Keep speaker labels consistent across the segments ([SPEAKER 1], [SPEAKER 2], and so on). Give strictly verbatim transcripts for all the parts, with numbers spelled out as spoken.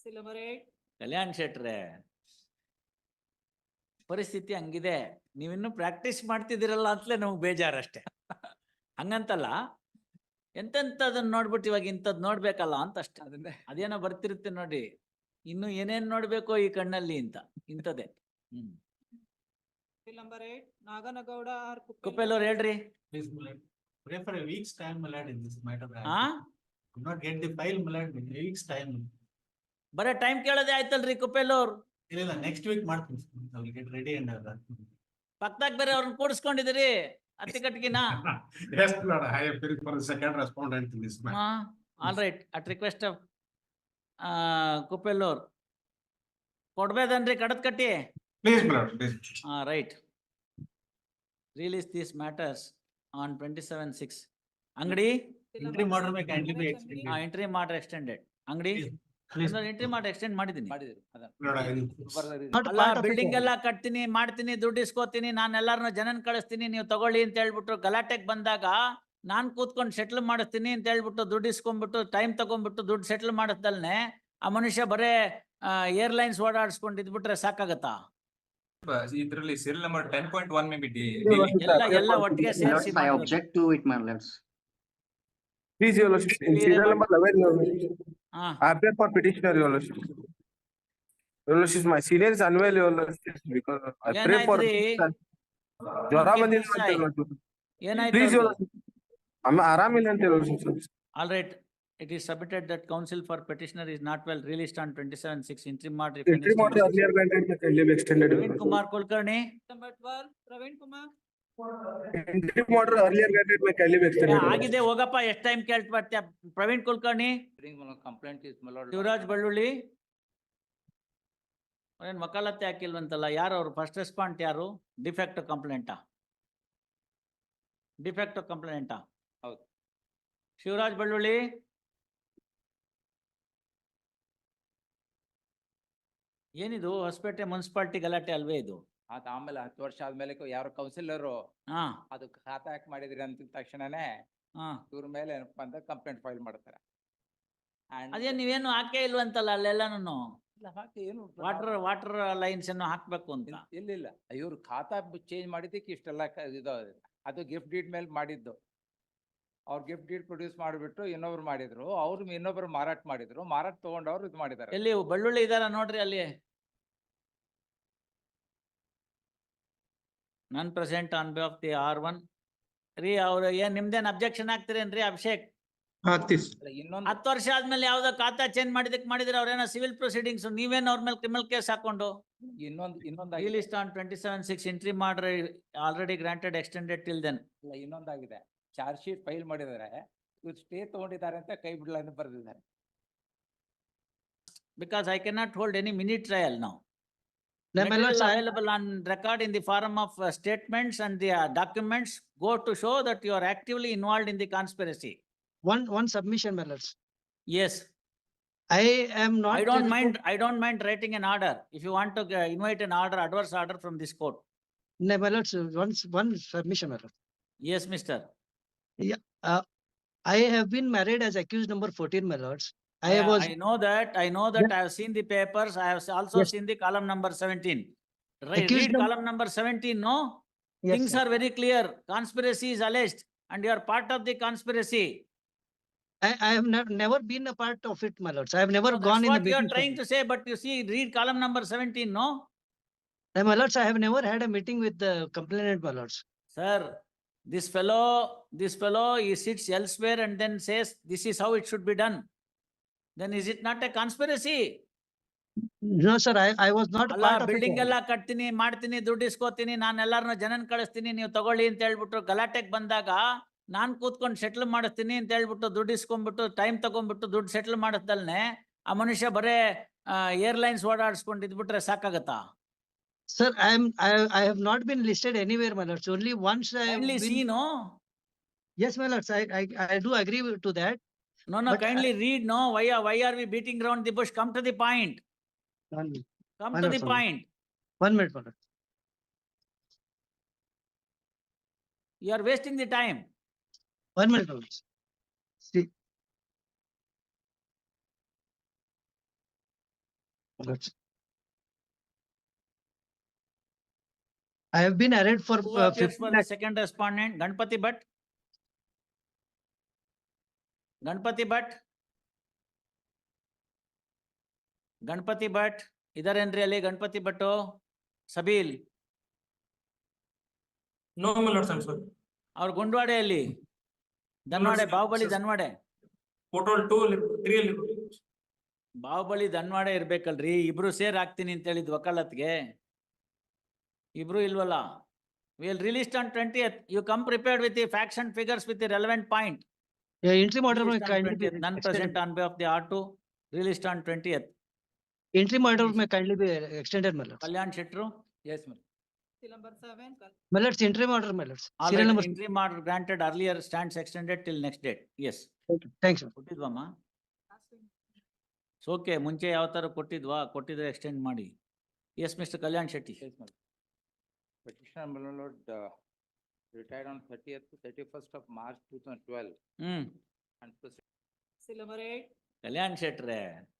[SPEAKER 1] ಕಲ್ಯಾಣ್ ಶೆಟ್ರೆ, ಪರಿಸ್ಥಿತಿ ಹಂಗಿದೆ. ನೀವಿನ್ನು ಪ್ರಾಕ್ಟೀಸ್ ಮಾಡ್ತಿದ್ದೀರಲ್ಲ ಅಂತಲೇ ನಮ್ಗೆ ಬೇಜಾರಷ್ಟೇ. ಹಂಗಂತಲ್ಲ, ಎಂತೆಂಥದನ್ನ ನೋಡ್ಬಿಟ್ಟು ಇವಾಗ ಇಂಥದ್ದು ನೋಡ್ಬೇಕಲ್ಲ ಅಂತ ಅಷ್ಟೇ. ಅದನ್ನೇ ಅದೇನೋ ಬರ್ತಿರುತ್ತೆ ನೋಡಿ, ಇನ್ನು ಏನೇನ್ ನೋಡ್ಬೇಕೋ ಈ ಕಣ್ಣಲ್ಲಿ ಅಂತ, ಇಂಥದ್ದೇ. ಹ್ಮ್
[SPEAKER 2] ನಾಗನಗೌಡ
[SPEAKER 1] ಕುಪ್ಪೆಲ್ಲವ್ರು ಹೇಳ್ರಿ.
[SPEAKER 3] Pray for a week's time, my lord, in this matter.
[SPEAKER 1] ಹಾ
[SPEAKER 3] Could not get the file, my lord, in a week's time.
[SPEAKER 1] ಬರೇ ಟೈಮ್ ಕೇಳೋದೇ ಆಯ್ತಲ್ರಿ ಕುಪ್ಪೆಲ್ಲವ್ರು.
[SPEAKER 3] ಇಲ್ಲ ಇಲ್ಲ, next week ಮಾಡ್ತೀನಿ. I will get ready and all.
[SPEAKER 1] ಪಕ್ಕದಾಗ ಬೇರೆ ಅವ್ರನ್ನ ಕೂಡಿಸ್ಕೊಂಡಿದ್ದೀರಿ ಅತ್ತಿಕಟ್ಟಿಗಿನ.
[SPEAKER 3] Yes, Lord, I am preparing for the second respondent in this matter.
[SPEAKER 1] All right, at request of ಕುಪ್ಪೆಲ್ಲೋರ್ ಕೊಡ್ಬೇದನ್ರಿ ಕಡದ್ ಕಟ್ಟಿ.
[SPEAKER 3] Please, my lord, please.
[SPEAKER 1] ಹಾ right. Release these matters on twenty-seven six. ಅಂಗಡಿ
[SPEAKER 3] Interim order may kindly be extended.
[SPEAKER 1] Entry ಮಾಡ್ರೆ extended. ಅಂಗಡಿ entry ಮಾಡಿ extend ಮಾಡಿದೀನಿ.
[SPEAKER 3] Lord, I will.
[SPEAKER 1] ಅಲ್ಲ, ಬಿಲ್ಡಿಂಗ್ ಎಲ್ಲ ಕಟ್ತೀನಿ, ಮಾಡ್ತೀನಿ, ದುಡ್ಡು ಇಸ್ಕೋತೀನಿ, ನಾನು ಎಲ್ಲಾರನ್ನ ಜನನ್ ಕಳಿಸ್ತೀನಿ, ನೀವು ತಗೊಳ್ಳಿ ಅಂತ ಹೇಳ್ಬಿಟ್ಟು ಗಲಾಟೆಗೆ ಬಂದಾಗ ನಾನ್ ಕೂತ್ಕೊಂಡು ಸೆಟ್ಲ್ ಮಾಡಿಸ್ತೀನಿ ಅಂತ ಹೇಳ್ಬಿಟ್ಟು ದುಡ್ಡು ಇಸ್ಕೊಂಡ್ಬಿಟ್ಟು ಟೈಮ್ ತಗೊಂಡ್ಬಿಟ್ಟು ದುಡ್ಡು ಸೆಟ್ಲ್ ಮಾಡಿಸ್ದಲ್ನೆ ಆ ಮನುಷ್ಯ ಬರೇ ಏರ್ಲೈನ್ಸ್ ಓಡಾಡಿಸ್ಕೊಂಡು ಇದ್ಬಿಟ್ರೆ ಸಾಕಾಗತ್ತಾ?
[SPEAKER 4] ಇದರಲ್ಲಿ serial number ten point one may be
[SPEAKER 1] ಎಲ್ಲ ಎಲ್ಲ ಒಟ್ಟಿಗೆ ಸೇರಿಸಿ
[SPEAKER 5] I object to it, my lords.
[SPEAKER 6] Please, your lordship, in serial number eleven, your lordship,
[SPEAKER 1] ಹಾ
[SPEAKER 6] I appear for petitioner, your lordship. Your lordship, my senior is unwell, your lordship, because I pray for.
[SPEAKER 1] ಏನಾಯ್ತ್ರಿ?
[SPEAKER 6] ಜ್ವರ ಬಂದಿದೆ ಅಂತ
[SPEAKER 1] Sai.
[SPEAKER 6] your lordship.
[SPEAKER 1] ಏನಾಯ್ತು?
[SPEAKER 6] Please, your lordship. ಅಮ್ಮ ಆರಾಮಿಲ್ಲ ಅಂತ your lordship.
[SPEAKER 1] All right, it is submitted that counsel for petitioner is not well, released on twenty-seven six interim order.
[SPEAKER 6] Interim order earlier granted may kindly be extended. your
[SPEAKER 1] Praveen
[SPEAKER 6] lordship.
[SPEAKER 1] Kumar Kulkarni,
[SPEAKER 2] Praveen Kumar
[SPEAKER 6] Interim order earlier granted may kindly be extended. your lordship.
[SPEAKER 1] ಆಗಿದೆ ಹೋಗಪ್ಪ, ಎಷ್ಟ್ time ಕೇಳ್ತಾ Praveen Kulkarni.
[SPEAKER 4] Complaint is ಮಲೋಡ್
[SPEAKER 1] ಶಿವರಾಜ್ ಬಳ್ಳುಳ್ಳಿ ಏನ್ ವಕಾಲತ್ತೆ ಹಾಕಿಲ್ವಂತಲ್ಲ, ಯಾರು ಅವ್ರು? ಫಸ್ಟ್ ರೆಸ್ಪಾಂಡ್ ಯಾರು? ಡಿಫೆಕ್ಟ್ ಕಂಪ್ಲೇಂಟಾ? ಡಿಫೆಕ್ಟ್ ಕಂಪ್ಲೇಂಟಾ?
[SPEAKER 4] ಹೌದು.
[SPEAKER 1] ಶಿವರಾಜ್ ಬಳ್ಳುಳ್ಳಿ ಏನಿದು? ಹೊಸಪೇಟೆ ಮುನ್ಸಿಪಾಲ್ಟಿ ಗಲಾಟೆ ಅಲ್ವೇ ಇದು?
[SPEAKER 4] ಅದ ಆಮೇಲೆ ಹತ್ತು ವರ್ಷ ಆದ್ಮೇಲೆ ಯಾರು ಕೌನ್ಸಿಲರ್
[SPEAKER 1] ಹಾ
[SPEAKER 4] ಅದು ಖಾತಾ ಹಾಕಿ ಮಾಡಿದ್ರಿ ಅಂತ ತಕ್ಷಣನೇ
[SPEAKER 1] ಹಾ
[SPEAKER 4] ಇವ್ರ ಮೇಲೆ ಏನಪ್ಪಾ ಅಂತ ಕಂಪ್ಲೇಂಟ್ ಫೈಲ್ ಮಾಡ್ತಾರೆ. And
[SPEAKER 1] ಅದೇನ್ ನೀವೇನು ಹಾಕೇ ಇಲ್ವಂತಲ್ಲ ಅಲ್ಲೆಲ್ಲಾನು?
[SPEAKER 4] ಇಲ್ಲ, ಹಾಕಿ ಏನು
[SPEAKER 1] ವಾಟರ್ ವಾಟರ್ ಲೈನ್ಸ್ ಅನ್ನು ಹಾಕ್ಬೇಕು ಅಂತ.
[SPEAKER 4] ಇಲ್ಲ ಇಲ್ಲ, ಇವ್ರು ಖಾತಾ ಚೇಂಜ್ ಮಾಡಿದ್ದಕ್ಕೆ ಇಷ್ಟೆಲ್ಲ ಕ- ಇದು ಅದು ಗಿಫ್ಟ್ ಡೀಡ್ ಮೇಲೆ ಮಾಡಿದ್ದು. ಅವ್ರು ಗಿಫ್ಟ್ ಡೀಡ್ ಪ್ರೊಡ್ಯೂಸ್ ಮಾಡಿಬಿಟ್ಟು ಇನ್ನೊಬ್ರು ಮಾಡಿದ್ರು, ಅವ್ರು ಇನ್ನೊಬ್ರು ಮಾರಾಟ ಮಾಡಿದ್ರು, ಮಾರಾಟ ತಗೊಂಡವ್ರು ಇದು ಮಾಡಿದ್ದಾರೆ.
[SPEAKER 1] ಎಲ್ಲಿ ಬಳ್ಳುಳ್ಳಿ ಇದಾರ ನೋಡ್ರಿ ಅಲ್ಲಿ. ನನ್ present on behalf the R one ರೀ. ಅವ್ರು ಏನ್ ನಿಮ್ದೇನ್ ಅಬ್ಜೆಕ್ಷನ್ ಹಾಕ್ತಿರೇನ್ರಿ ಅಭಿಷೇಕ್?
[SPEAKER 4] ಅಲ್ಲ, ಇನ್ನೊಂದು
[SPEAKER 1] ಹತ್ತು ವರ್ಷ ಆದ್ಮೇಲೆ ಯಾವ್ದೋ ಖಾತಾ ಚೇಂಜ್ ಮಾಡಿದಕ್ ಮಾಡಿದ್ರೆ ಅವ್ರೇನೋ ಸಿವಿಲ್ ಪ್ರೊಸೀಡಿಂಗ್ಸ್, ನೀವೇನ್ ಅವ್ರ ಮೇಲೆ ಕ್ರಿಮಿನಲ್ ಕೇಸ್ ಹಾಕೊಂಡು.
[SPEAKER 4] ಇನ್ನೊಂದು ಇನ್ನೊಂದು
[SPEAKER 1] list on twenty seven six entry ಮಾಡ್ರಿ, already granted extended till then.
[SPEAKER 4] ಇಲ್ಲ, ಇನ್ನೊಂದಾಗಿದೆ. ಚಾರ್ಜ್ ಶೀಟ್ ಫೈಲ್ ಮಾಡಿದ್ದಾರೆ, ಇವ್ರು ಸ್ಟೇ ತಗೊಂಡಿದ್ದಾರೆ ಅಂತ ಕೈ ಬಿಡಲ್ಲ ಅಂತ ಬರೆದಿದ್ದಾರೆ.
[SPEAKER 1] Because I cannot hold any mini trial now.
[SPEAKER 7] No, my
[SPEAKER 1] Material
[SPEAKER 7] lords, I-
[SPEAKER 1] available on record in the form of uh, statements and the uh, documents go to show that you are actively involved in the conspiracy.
[SPEAKER 7] One, one submission, my lords.
[SPEAKER 1] Yes,
[SPEAKER 7] I am not.
[SPEAKER 1] I don't
[SPEAKER 7] able to-
[SPEAKER 1] mind, I don't mind writing an order. If you want to uh, invite an order, adverse order from this court.
[SPEAKER 7] No, my lords, once, one submission, my lord.
[SPEAKER 1] Yes, mister.
[SPEAKER 7] I have been married as accused number fourteen, my lords. I
[SPEAKER 1] I
[SPEAKER 7] was,
[SPEAKER 1] I know that, I know that, I have seen the papers, I have also
[SPEAKER 7] Yes.
[SPEAKER 1] seen the column number seventeen. Right,
[SPEAKER 7] Accused
[SPEAKER 1] read
[SPEAKER 7] num-
[SPEAKER 1] column number seventeen, no?
[SPEAKER 7] yes,
[SPEAKER 1] Things
[SPEAKER 7] sir.
[SPEAKER 1] are very clear. Conspiracy is alleged and you are part of the conspiracy.
[SPEAKER 7] I, I have never, never been a part of it, my lords. I have never
[SPEAKER 1] No,
[SPEAKER 7] gone
[SPEAKER 1] that's
[SPEAKER 7] in the
[SPEAKER 1] what you are
[SPEAKER 7] meetings.
[SPEAKER 1] trying to say, but you see, read column number seventeen, no?
[SPEAKER 7] No, my lords, I have never had a meeting with the complainant, my lords.
[SPEAKER 1] Sir, this fellow, this fellow, he sits elsewhere and then says, this is how it should be done. Then is it not a conspiracy?
[SPEAKER 7] No, sir, I, I was not a
[SPEAKER 1] ಅಲ್ಲ,
[SPEAKER 7] part of it.
[SPEAKER 1] Building
[SPEAKER 7] my lord.
[SPEAKER 1] ಎಲ್ಲ ಕಟ್ತೀನಿ, ಮಾಡ್ತೀನಿ, ದುಡ್ಡು ಇಸ್ಕೋತೀನಿ, ನಾನು ಎಲ್ಲಾರನ್ನ ಜನನ್ ಕಳಿಸ್ತೀನಿ, ನೀವು ತಗೊಳ್ಳಿ ಅಂತ ಹೇಳ್ಬಿಟ್ಟು ಗಲಾಟೆಗೆ ಬಂದಾಗ ನಾನ್ ಕೂತ್ಕೊಂಡು ಸೆಟ್ಲ್ ಮಾಡಿಸ್ತೀನಿ ಅಂತ ಹೇಳ್ಬಿಟ್ಟು ದುಡ್ಡು ಇಸ್ಕೊಂಡ್ಬಿಟ್ಟು ಟೈಮ್ ತಗೊಂಡ್ಬಿಟ್ಟು ದುಡ್ಡು ಸೆಟ್ಲ್ ಮಾಡಿಸ್ದಲ್ನೆ ಆ ಮನುಷ್ಯ ಬರೇ ಏರ್ಲೈನ್ಸ್ ಓಡಾಡಿಸ್ಕೊಂಡು ಇದ್ಬಿಟ್ರೆ ಸಾಕಾಗತ್ತಾ?
[SPEAKER 7] Sir, I am, I, I have not been listed anywhere, my lords. Only once I have
[SPEAKER 1] Kindly
[SPEAKER 7] been.
[SPEAKER 1] see, no?
[SPEAKER 7] Yes, my lords, I, I, I do agree with- to that.
[SPEAKER 1] No, no,
[SPEAKER 7] But I-
[SPEAKER 1] kindly read, no? Why are, why are we beating around the bush? Come to the point.
[SPEAKER 7] One minute,
[SPEAKER 1] Come
[SPEAKER 7] Why
[SPEAKER 1] to
[SPEAKER 7] not,
[SPEAKER 1] the
[SPEAKER 7] sir?
[SPEAKER 1] point.
[SPEAKER 7] one minute, my lord.
[SPEAKER 1] You are wasting the time.
[SPEAKER 7] One minute, my lords. See, lords. I have been arraigned for
[SPEAKER 1] Who
[SPEAKER 7] uh,
[SPEAKER 1] appears
[SPEAKER 7] fifty
[SPEAKER 1] for the
[SPEAKER 7] lakh.
[SPEAKER 1] second respondent? Ganpati Bhatt? Ganpati Bhatt? Ganpati Bhatt? ಇದರೇನ್ರಿ ಅಲ್ಲಿ Ganapati ಭಟ್ಟು? ಸಬೀಲ್
[SPEAKER 5] No, my lords, I'm sorry.
[SPEAKER 1] ಅವ್ರ ಗುಂಡ್ವಾಡೆಯಲ್ಲಿ ದನ್ವಾಡೆ
[SPEAKER 5] sir.
[SPEAKER 1] Bahubali
[SPEAKER 5] Sir.
[SPEAKER 1] ದನ್ವಾಡೆ
[SPEAKER 5] Total two, li- three. li-
[SPEAKER 1] Bahubali ದನ್ವಾಡೆ ಇರ್ಬೇಕಲ್ರಿ, ಇಬ್ರು ಸೇರ್ ಹಾಕ್ತೀನಿ ಅಂತ ಹೇಳಿದ್ ವಕಾಲತ್ಗೆ. ಇಬ್ರು ಇಲ್ವಲ್ಲ. Will released on twentieth. You come prepared with the facts and figures with the relevant point.
[SPEAKER 7] Yeah, interim order may kindly be
[SPEAKER 1] None
[SPEAKER 7] extended.
[SPEAKER 1] present on behalf of the R two, released on twentieth.
[SPEAKER 7] Interim order may kindly be extended, my lords.
[SPEAKER 1] Kalyan Shetru,
[SPEAKER 4] Yes, ma'am.
[SPEAKER 2] Seal number seven, Kal-
[SPEAKER 7] My lords, interim order, my lords.
[SPEAKER 1] all
[SPEAKER 7] Serial
[SPEAKER 1] right,
[SPEAKER 7] number.
[SPEAKER 1] interim order granted earlier stands extended till next date. Yes.
[SPEAKER 7] Thanks, sir.
[SPEAKER 1] ಕೊಟ್ಟಿದ್ವಮ್ಮ?
[SPEAKER 2] last one.
[SPEAKER 1] Okay, ಮುಂಚೆ ಯಾವ ತರ ಕೊಟ್ಟಿದ್ವಾ? ಕೊಟ್ಟಿದ್ರೆ extend ಮಾಡಿ. Yes mister Kalyan Shetty.
[SPEAKER 4] Yes, ma'am. Petitioner, my lord, uh, retired on thirtieth to thirty-first of March two thousand twelve
[SPEAKER 1] hmm,
[SPEAKER 4] and proceed-
[SPEAKER 2] Seal number eight,
[SPEAKER 1] Kalyan ಶೆಟ್ರೆ,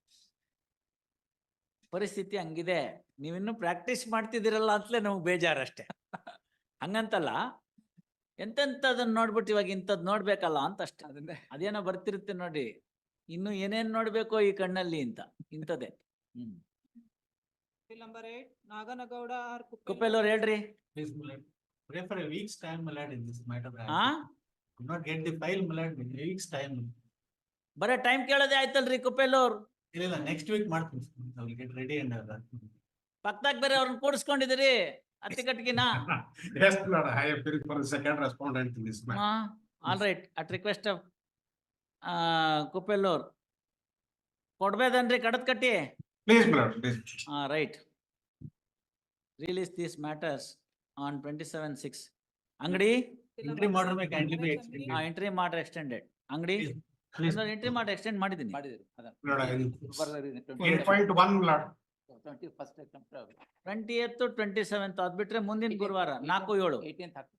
[SPEAKER 1] ಪರಿಸ್ಥಿತಿ ಹಂಗಿದೆ. ನೀವಿನ್ನು ಪ್ರಾಕ್ಟೀಸ್ ಮಾಡ್ತಿದ್ದೀರಲ್ಲ ಅಂತಲೇ ನಮ್ಗೆ ಬೇಜಾರಷ್ಟೇ. ಹಂಗಂತಲ್ಲ, ಎಂತೆಂತದನ್ನ ನೋಡ್ಬಿಟ್ಟು ಇವಾಗ ಇಂಥದ್ ನೋಡ್ಬೇಕಲ್ಲ ಅಂತ ಅಷ್ಟೇ.
[SPEAKER 4] ಅದನ್ನೇ
[SPEAKER 1] ಅದೇನೋ ಬರ್ತಿರುತ್ತೆ ನೋಡಿ, ಇನ್ನು ಏನೇನ್ ನೋಡ್ಬೇಕೋ ಈ ಕಣ್ಣಲ್ಲಿ ಅಂತ, ಇಂಥದ್ದೇ. ಹ್ಮ್,
[SPEAKER 2] seal number eight, Naganagowda or Kuppel.
[SPEAKER 1] ಕುಪ್ಪೆಲ್ಲವ್ರು ಹೇಳ್ರಿ.
[SPEAKER 3] Please, my lord. Pray for a week's time, my lord, in this matter. I
[SPEAKER 1] ಆ
[SPEAKER 3] could not get the file, my lord, in a week's time.
[SPEAKER 1] ಬರೇ time ಕೇಳೋದೇ ಆಯ್ತಲ್ರಿ ಕುಪ್ಪೆಲ್ಲವ್ರು.
[SPEAKER 3] ಇಲ್ಲ, ಇಲ್ಲ, next week ಮಾಡ್ತೀನಿ. I will get ready and all that.
[SPEAKER 1] ಪಕ್ಕದಾಗ ಬೇರೆ ಅವ್ರನ್ನ ಕೂಡಿಸ್ಕೊಂಡಿದ್ದೀರಿ ಅತ್ತಿಕಟ್ಟಿಗಿನ.
[SPEAKER 3] Yes, my lord, I appear for the second respondent in this matter.
[SPEAKER 1] All right, at request of ಕುಪ್ಪೆಲ್ಲವ್ರು ಕೊಡ್ಬೇದನ್ರಿ ಕಡದ್ ಕಟ್ಟಿ.
[SPEAKER 3] Please, my lord, please.
[SPEAKER 1] ಆ right, release these matters on twenty seven six. Angadi
[SPEAKER 2] Seal
[SPEAKER 3] Interim
[SPEAKER 2] number
[SPEAKER 3] order may
[SPEAKER 2] seven,
[SPEAKER 3] kindly be
[SPEAKER 2] Nagaraj
[SPEAKER 3] extended.
[SPEAKER 2] Angadi.
[SPEAKER 1] Entry ಮಾಡ್ರೆ extended. Angadi
[SPEAKER 3] Please.
[SPEAKER 1] Entry ಮಾಡಿ extend ಮಾಡಿದ್ದೀನಿ.
[SPEAKER 4] ಮಾಡಿದ್ರು ಅದನ್ನ.
[SPEAKER 3] Lord, I will-
[SPEAKER 4] Further is
[SPEAKER 3] Eight
[SPEAKER 4] twenty-
[SPEAKER 3] point one, my lord.
[SPEAKER 4] twenty-first attempt, uh,
[SPEAKER 1] twentieth twenty seventh ಅದ್ಬಿಟ್ರೆ ಮುಂದಿನ
[SPEAKER 4] eighteenth-
[SPEAKER 1] ಗುರುವಾರ ನಾಲ್ಕು ಏಳು.
[SPEAKER 4] eighteenth ಹಾಕ್ತೀನಿ.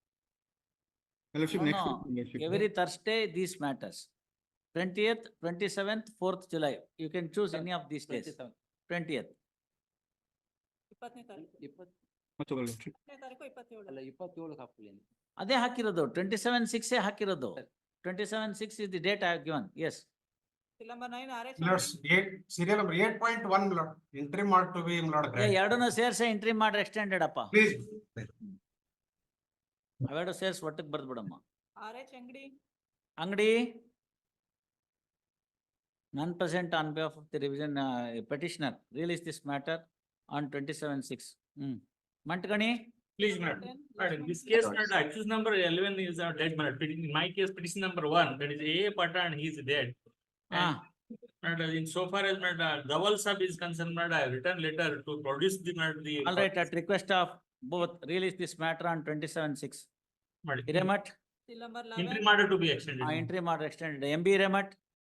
[SPEAKER 1] Every Thursday these matters. Twentieth, twenty seventh, fourth July. You can choose any of these days.
[SPEAKER 4] twenty-seventh.
[SPEAKER 1] Twentieth
[SPEAKER 2] ಇಪ್ಪತ್ತನೇ ತಾರೀಕು,
[SPEAKER 4] ಇಪ್ಪತ್ತು
[SPEAKER 2] ಇಪ್ಪತ್ತನೇ ತಾರೀಕು ಇಪ್ಪತ್ತೇಳು.
[SPEAKER 4] ಅಲ್ಲ ಇಪ್ಪತ್ತೇಳು ಹಾಕ್ಲಿ ಅಂತ.
[SPEAKER 1] ಅದೇ ಹಾಕಿರೋದು, ಟ್ವೆಂಟಿ ಸೆವೆನ್ ಸಿಕ್ಸ್ ಹಾಕಿರೋದು. Twenty seven six is the date I have given. Yes,
[SPEAKER 2] Seal number nine, R H.
[SPEAKER 3] Lords, eight, serial number eight point one, my lord, interim order to be, my lord, granted.
[SPEAKER 1] ಎರಡನ್ನೂ ಸೇರ್ಸೆ entry ಮಾಡ್ರೆ extended ಅಪ್ಪ.
[SPEAKER 3] Please.
[SPEAKER 1] ಅವೆರಡು ಸೇರ್ಸ್ ಒಟ್ಟಿಗೆ ಬರ್ದ್ ಬಿಡಮ್ಮ.
[SPEAKER 2] R H Angadi,
[SPEAKER 1] Angadi ನಾನ್ present on behalf of the revision petitioner release this matter on twenty seven six. Hmm, ಮಂಟ್ಗಣಿ.
[SPEAKER 5] Please, madam.
[SPEAKER 2] ten,
[SPEAKER 5] Madam,
[SPEAKER 2] last
[SPEAKER 5] this
[SPEAKER 2] one.
[SPEAKER 5] case, madam, accused number eleven is a dead man. In my case, petition number one, that is A Patan, he is dead.
[SPEAKER 1] ಹಾ,
[SPEAKER 5] Madam, in so far as madam, Dawal sub is concerned, madam, I have written letter to produce the madam, the.
[SPEAKER 1] All right, at request of both release this matter on twenty seven six.
[SPEAKER 5] Madam,
[SPEAKER 1] Hiremath
[SPEAKER 2] Seal number
[SPEAKER 5] Interim
[SPEAKER 2] eleven,
[SPEAKER 5] order to be extended.
[SPEAKER 1] ಆ entry ಮಾಡ್ರೆ extended. M B Hiremath